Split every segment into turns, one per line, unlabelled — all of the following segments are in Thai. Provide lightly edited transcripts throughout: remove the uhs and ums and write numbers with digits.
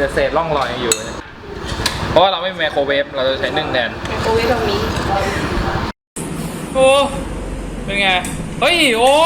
เศษร่องรอยอยู่เพราะว่าเราไม่มีไมโครเวฟเราจะใช้นึ่งแทน
ไมโครเวฟแบบนี้
โอ้เป็นไงเฮ้ยโอ้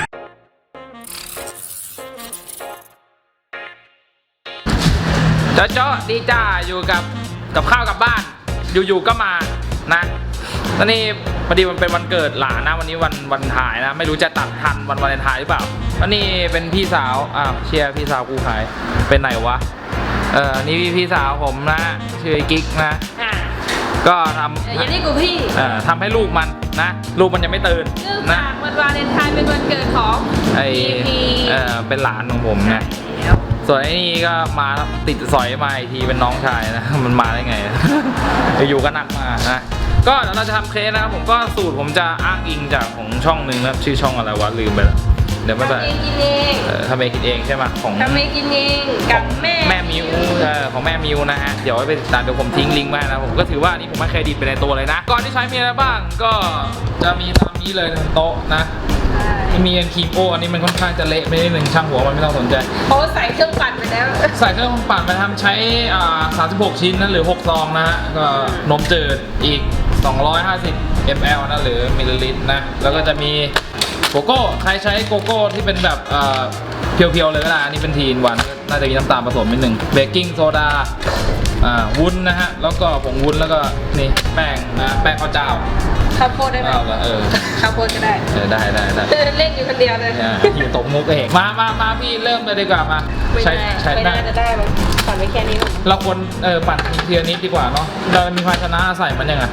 เจ้าดีจ้าอยู่กับข้าวกับบ้านอยู่ๆก็มานะตอนนี้พอดีมันเป็นวันเกิดหลานนะวันนี้วันถ่ายนะไม่รู้จะตัดทันวันวาเลนไทน์หรือเปล่าวันนี้เป็นพี่สาวเชียร์พี่สาวกูขายเป็นไหนวะนี่พี่สาวผมนะชื่อกิ๊กนะก็ทำ
อย่างนี้กูพี่
ทำให้ลูกมันนะลูกมันยังไม่ตื่น
นะวันวาเลนไทน์เป็นวันเกิดของ
เป็นหลานของผมนะส่วนไอ้นี่ก็มาติดสอยมาอีกทีเป็นน้องชายนะมันมาได้ไงอยู่ก็หนักมานะก็เดี๋ยวเราจะทำเคสนะครับผมก็สูตรผมจะอ้างอิงจากของช่องหนึ่งนะชื่อช่องอะไรวะลืมไปแล้วเดี๋ยวไม่เป็นไรทำเองกินเองใช่ไหมของ
ทำเองกินเองกับแม่
มิวของแม่มิวนะฮะเดี๋ยวไปติดตามเดี๋ยวผมทิ้งลิงก์ไว้นะผมก็ถือว่านี่ผมให้เครดิตไปในตัวเลยนะก่อนที่ใช้มีอะไรบ้างก็จะมีตามนี้เลยโต๊ะนะมีอันคีโปอันนี้มันค่อนข้างจะเละไม่ได้หนึ่งช่างหัวมันไม่ต้องสนใจ
เพราะใส่เครื่องปั่นไปแล้ว
ใส่เครื่องปั่นไปทำใช้36ชิ้นนั้นหรือ6ซองนะฮะก็นมจืดอีก250 ml นะหรือมิลลิลิตรนะแล้วก็จะมีโกโก้ใครใช้โกโก้ที่เป็นแบบเพียวๆเลยก็ได้อันนี้เป็นทีนวันน่าจะมีน้ำตาลผสมนิดนึงเบกกิ้งโซดาวุ้นนะฮะแล้วก็ผงวุ้นแล้วก็นี่แป้งนะแป้งข้าวเจ้า
ข้าวโพดได้ไหมข้าวโพดก็ได้
ได้
เล่นอยู่คนเดียวเลย
อยู่ตกมุกเองมาพี่เริ่มเลยดีกว่ามา
ใช้ไม่น่าจะได้มั้งปั่นไว้แค่นี้
เราควรปั่นเทียนิดดีกว่าเนาะเรามีภาชนะใส่มันยังไง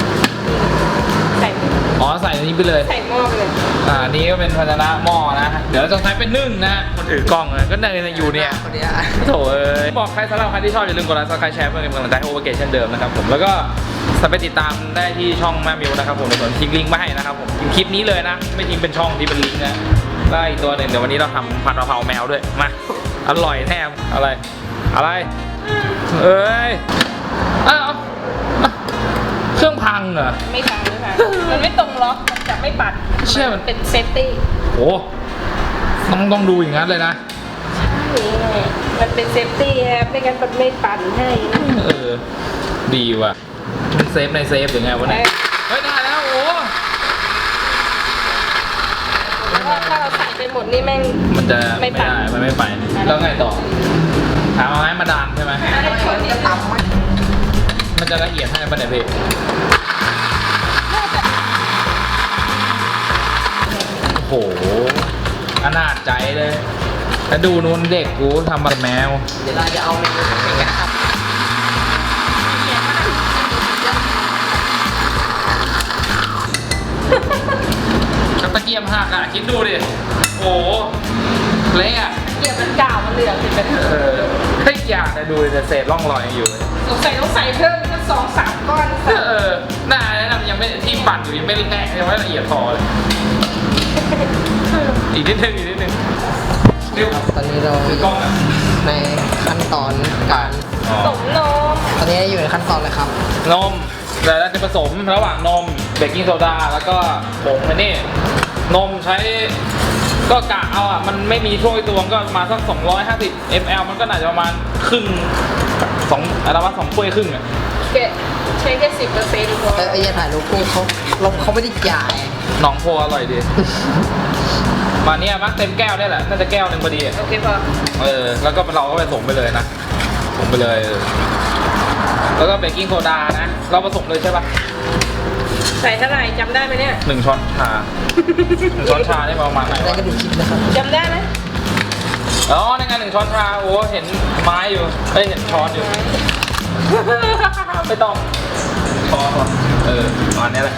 ใส่นี้ไปเลย
ใส่หม้อไปเลย
นี่ก็เป็นภาชนะหม้อนะเดี๋ยวจะใช้เป็นนึ่งนะคนถือกล้องเลยก็ในอยู่เนี่ยโถบอกใครสำหรับใครที่ชอบอย่าลืมกดไลค์ซับสไครป์แชร์เพื่อเป็นกำลังใจให้โอเวอร์เกตเช่นเดิมนะครับผมแล้วก็ไปติดตามได้ที่ช่องแม่มิวนะครับผมเดี๋ยวผมทิ้งลิงก์มาให้นะครับผมคลิปนี้เลยนะไม่ทิ้งเป็นช่องที่เป็นลิงก์นะได้อีกตัวหนึ่งเดี๋ยววันนี้เราทำผัดกะเพราแมวด้วยมาอร่อยแน่อะไรเอ้ยเครื่องพังเหรอ
ไม่พังมันไม่ตรงล็อกมันจะไม่ปัด
เชื่อ
มันเป็นเซฟตี้
โอ้ต้องดูอย่างนั้นเลยนะ
ใช่มันเป็นเซฟตี้ครับไม่งั้นมันไม่ปั่นให้นะ
ดีว่ะมันเซฟในเซฟหรือไงวะเนี่ยเฮ้ยได้แล้วโอ้
ถ้าเราใส่ไปหมดนี่แม่ง
มันจะไม่ได้มันไม่ไปแล้วไงต่อถามเอาไม้มาดามใช่ไหมมันจะละเอียดให้ป่ะเนี่ยพี่โอ้โหอนาจใจเลยแล้วดูนู้นเด็กกูทำมาแมว
เดี๋ยวเราจะเอาเมนูไปกันครับ
ตะเกียบหักคิดดูดิโอ้เละ
เกียบมันเก่ามันเหลืองติดไป
เฮ้ยอยากจะดูแต่เศษร่องรอยอยู่
ต้องใส่เพิ่มสัก2-3 ก้อน
น่ายังไม่ที่ปั่นอยู่ยังไม่แน่ยังไม่ละเอียดพอเลยอีกนิดนึง
ตอนนี้เราในขั้นตอนการ
ผสมนม
ตอนนี้อยู่ในขั้นตอนเลยครับ
นมแล้วจะผสมระหว่างนมเบกกิ้งโซดาแล้วก็ผงนี่นมใช้ก็กะเอามันไม่มีถ้วยตวงก็มาสัก250 ml มันก็น่าจะประมาณครึ่ง2ถ้วยครึ่ง
ใช้แค่10%พอ
อย่าถ่ายรูปคู่เขาไม่ได้จ่าย
น้องโพอร่อยดีมาเนี่ยมักเต็มแก้วได้แหละน่าจะแก้วนึงพอดี
โอเคพอ
แล้วก็เราก็ไปส่งไปเลยนะส่งไปเลยแล้วก็เบกกิ้งโซดานะเราผสมเลยใช่ปะ
ใส่เท่าไหร่จำได้ไหมเนี่ย
1 ช้อนชา1 ช้อนชานี่ประมาณไหนวะ
จำได้ไหม
ในงาน1 ช้อนชาโอ้เห็นไม้อยู่เห็นช้อนอยู่ไม่ต้องช้อนประมาณนี้แหละ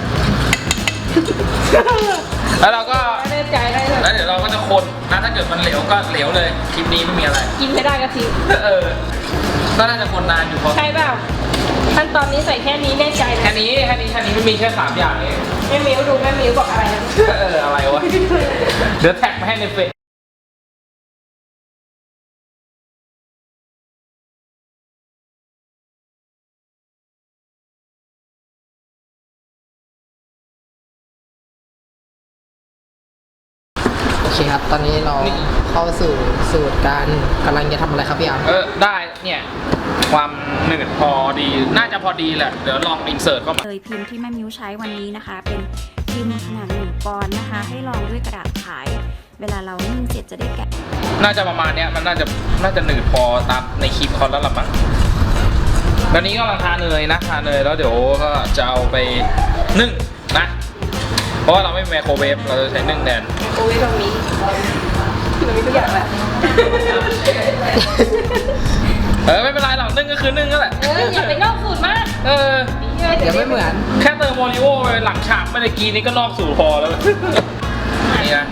แล้วเราก็
แน่ใจได้
แล้วเดี๋ยวเราก็จะคนนะถ้าเกิดมันเหลวก็เหลวเลยคลิปนี้ไม่มีอะไร
กินไม่ได้ก็ทิ้ง
ก็น่าจะคนนานอยู่พอ
ใช่เปล่าขั้นตอนนี้ใส่แค่นี้แน่ใจ
แค่นี้ไม่มีแค่3 อย่างเอง
แม่มิวดูแม่มิวบอกอะไรนะ
อะไรวะเดี๋ยวแท็กมาให้ในเฟซโอเค
เคครับ ตอนนี้เราเข้าสู่สูตรการกำลังจะทำอะไรครับพี่อาร์ม
ได้เนี่ยความหนืดพอดีน่าจะพอดีแหละเดี๋ยวลองอินเสิร์ตเข้ามา
เลยพิมพ์ที่แม่มิวใช้วันนี้นะคะ เป็นพิมพ์ขนาด1 ปอนด์นะคะ ให้รองด้วยกระดาษขาย เวลาเรานึ่งเสร็จจะได้แกะ
น่าจะประมาณเนี้ยมันน่าจะหนืดพอตามในคลิปเขาแล้วล่ะมั้งตอนนี้ก็กำลังทาเนยนะทาเนยแล้วเดี๋ยวก็จะเอาไปนึ่งนะเพราะว่าเราไม่มีไมโครเวฟเราจะใช้นึ่งแทน
โอ้ยเรามีทุกอย่างแหละ
ไม่เป็นไรหรอกนึ่งก็คือนึ่งก็แหละ
อย่าไปนอกสูตรมาก
เดี๋ยวไม่เหมือน
แค่เติมโมริโอไปหลังฉากเมื่อกี้นี้ก็นอกสู่พอแล้ว นี่นะ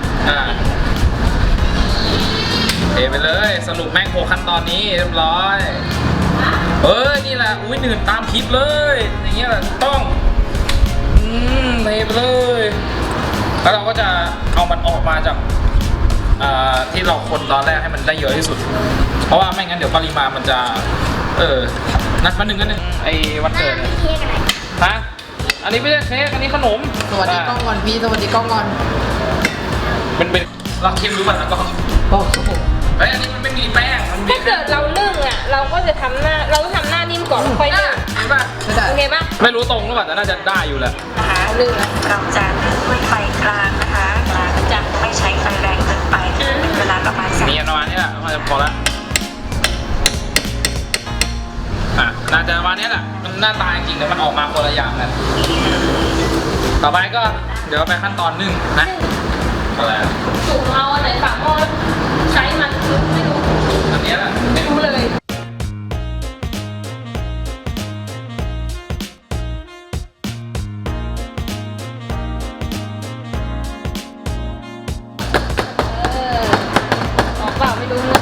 เทไปเลยสรุปแม่งโคขั้นตอนนี้เรียบร้อยนี่แหละอุ้ยหนืดตามคลิปเลยอย่างเงี้ยแหละต้องเทไปเลยแล้วเราก็จะเอามันออกมาจากที่เราคนตอนแรกให้มันได้เยอะที่สุดเพราะว่าไม่งั้นเดี๋ยวปริมาณมันจะนัดมาหนึ่งไอ้วันเกิดฮะอันนี้ไม่ใช่เค้กอันนี้ขนม
สวัสดีกล้องก่อนพี่สวัสดีกล้องก่อน
เป็นเราคิมรู้ป่ะแล้วก็
โอ้โห
อันนี้มันไม่มีแป้งมันมี
ถ้าเกิดเรานึ่งอ่ะเราก็จะทำหน้าเราต้องทำหน้านิ่มก่อนค่อยนึ่ง
เห็นป่ะ
ไม่ได้
โอเคปะ
ไม่รู้ตรงหรือเปล่าแต่น่าจะได้อยู่แหละ
นะคะนึ่งนะ
เราจะนึ่งด้วยไฟกลางนะคะจะไม่ใช้ไฟแรงเกินไปเป็นเวลาประมาณ
นี่ประมาณนี้แหละน่าจะพอละน่าจะประมาณนี้แหละมันหน้าตาจริงๆแต่มันออกมาคนละอย่างกันต่อไปก็เดี๋ยวไปขั้นตอนนึ่งนะอะไร
สูงเอาอันไหนฝาหม้อใช้มันไม่รู้
อันนี้แหละ
ไม่รู้เลย ออกเปล่าไม่รู้นะ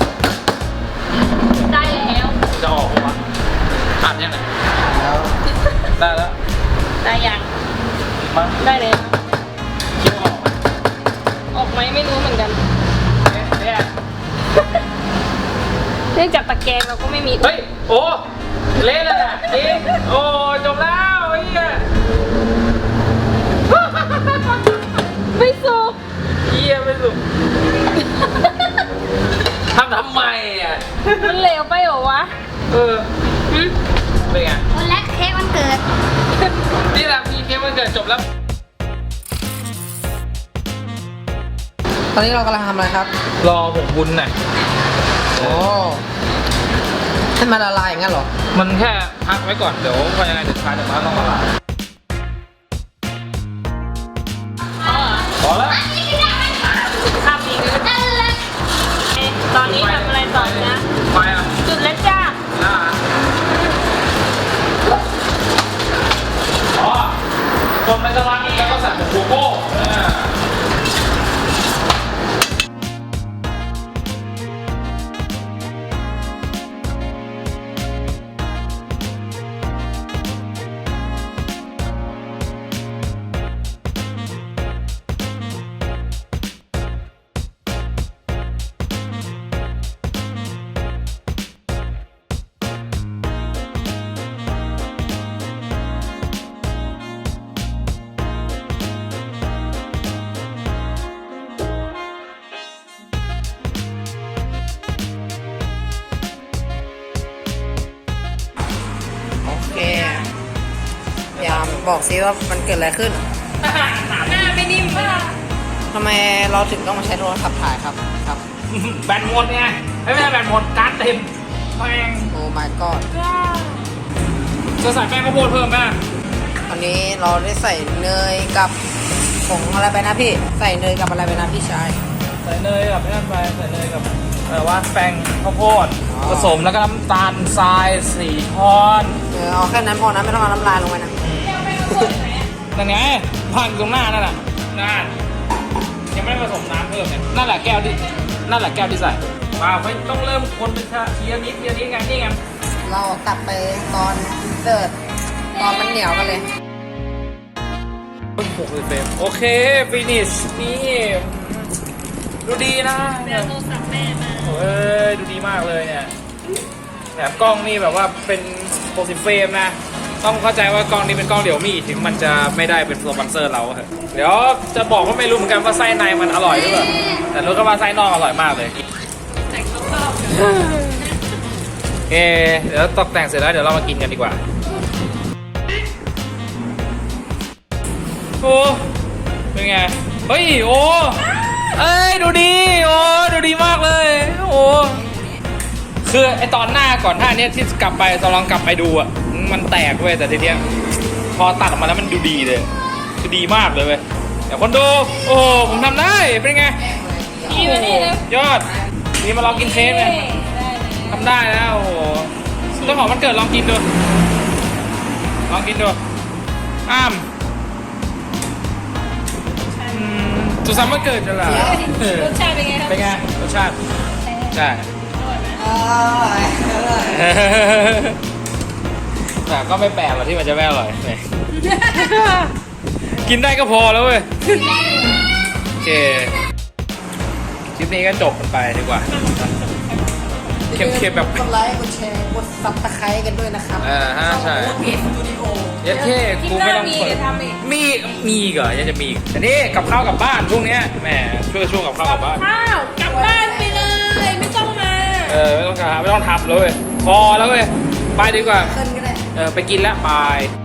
ได้แล้ว
จะออกปะอ่านยังไง
แล้ว
ได้แล้ว
ได้ยัง
มา
ได้เลย
คิดว่าออกไหม
ออกไหมไม่รู้เหมือนกัน
เนี่ย
เนื่องจากตะแกรงเราก็ไม่มี
เฮ้ยโอ้เละเลยอ่ะจริงโอ้จบแล้วไอ้เหี้ย
ไม่สุก
เหี้ยไม่สุกทำไมอ่ะ
มันเหลวไปเหรอวะ หึ
เป็นไง
วันแรกเค้กวันเกิด
นี่แหละพี่เค้กวันเกิดจบแล้ว
ตอนนี้เรากำลังทำอะไรครับ
รอผงบุญน่ะ
โอ้ให้มันละลายอย่างนั้นเหรอ
มันแค่พักไว้ก่อนเดี๋ยวพอยังไงเดี๋ยวทานจากร้านลองละลายพอแล้ว
ทำอีกเลยตอนนี้ทำอะไรต่อนะ
ไปอ่ะ
จุดแล้วจ้า
อ๋อคนไปตลาดนี้แล้วก็สั่งผงโกโก้
โอเคยามบอกซิว่ามันเกิดอะไรขึ้น
หน้าไม่นิ่มมาก
ทำไมเราถึงต้องมาใช้โทรศัพท์ถ่ายครับ ครับ
แบนหมดไงไม่ใช่แบนหมดการ์ดเต็มแป้ง
โอ้ my god
จะใส่แป้งข้าวโพดเพิ่มไหม
วันนี้เราได้ใส่เนยกับผงอะไรไปนะพี่ ใส่เนยกับอะไรไปนะพี่ชาย
ใส่เนยกับนั่นไปใส่เนยกับว่าแป้งข้าวโพด
อ๋อ
ผสมแล้วก็น้ำตาลทราย4ช้อน
เอาแค่นั้นพอนะไม่ต้องเอาน้ำลายลงไปนะ
นั่นไงพันตรงหน้านั่นแหละนั่นยังไม่ได้ผสมน้ำเพิ่มเนี่ยนั่นแหละแก้วที่ใส่มาไม่ต้องเริ่มคนเป็นทีละนิดไงนี่ไง
เรากลับไปตอนเสิร์ฟตอนมันเหนียวกันเลย
60 เฟรมโอเคฟินิชนี่ดูดีนะ
เดี๋ยวโทรศัพท์แม่มา
เฮ้ยดูดีมากเลยเนี่ยแถมกล้องนี่แบบว่าเป็น60 เฟรมนะต้องเข้าใจว่ากล้องนี้เป็นกล้องเดี่ยวมี่ถึงมันจะไม่ได้เป็นสปอนเซอร์เราอะเดี๋ยวจะบอกว่าไม่รู้เหมือนกันว่าไส้ในมันอร่อยหรือเปล่าแต่รู้ก็ว่าไส้นอกอร่อยมากเลยเดี๋ยวตกแต่งเสร็จแล้วเดี๋ยวเรามากินกันดีกว่าโอ้เป็นไงเฮ้ยโอ้เอ้ยดูดีโอ้ดูดีมากเลยโอ้คือไอตอนหน้าก่อนหน้านี้ที่กลับไปตอนลองกลับไปดูอ่ะมันแตกเว้ยแต่ทีเนี้ยพอตัดออกมาแล้วมันดูดีเลยคือดีมากเลยเว้ยเดี๋ยวคนดูโอ้ผมทำได้เป็นไง
นี่นะ
ยอดนี่มาลองกินเค้กเลยทำได้นะโอ้โหต้นหอมมันเกิดลองกินดูลองกินดูอ้ามสุขสันต์วันเกิดจะเหรอ
รสชาติเป็นไงครับ
เป็นไงรสชาติใช่
อร่อยอร่อย
แต่ก็ไม่แปลกหรอกที่มันจะไม่อร่อยกินได้ก็พอแล้วเว้ยโอเคคลิปนี้ก็จบกันไปดีกว่าเค็มๆแบบ
กดไลค์กดแชร์กดซับสไครต์กันด้วยนะครับ
ใช่
เพจสตูดิโอ
ยัดเท่กูไม่ต้องเปิดมีอีกเหรอยังจะมีอีกแต่นี่กับข้าวกับบ้านช่วงเนี้ยแหมช่วงกับข้าวกับบ้าน
ข้าวกลับบ้านไปเลยไม่ต้องมา
ไม่ต้องทำเลยพอแล้วเว้ยไปดีกว่า
ขึ้นก็ได้
ไปกินแล้วบาย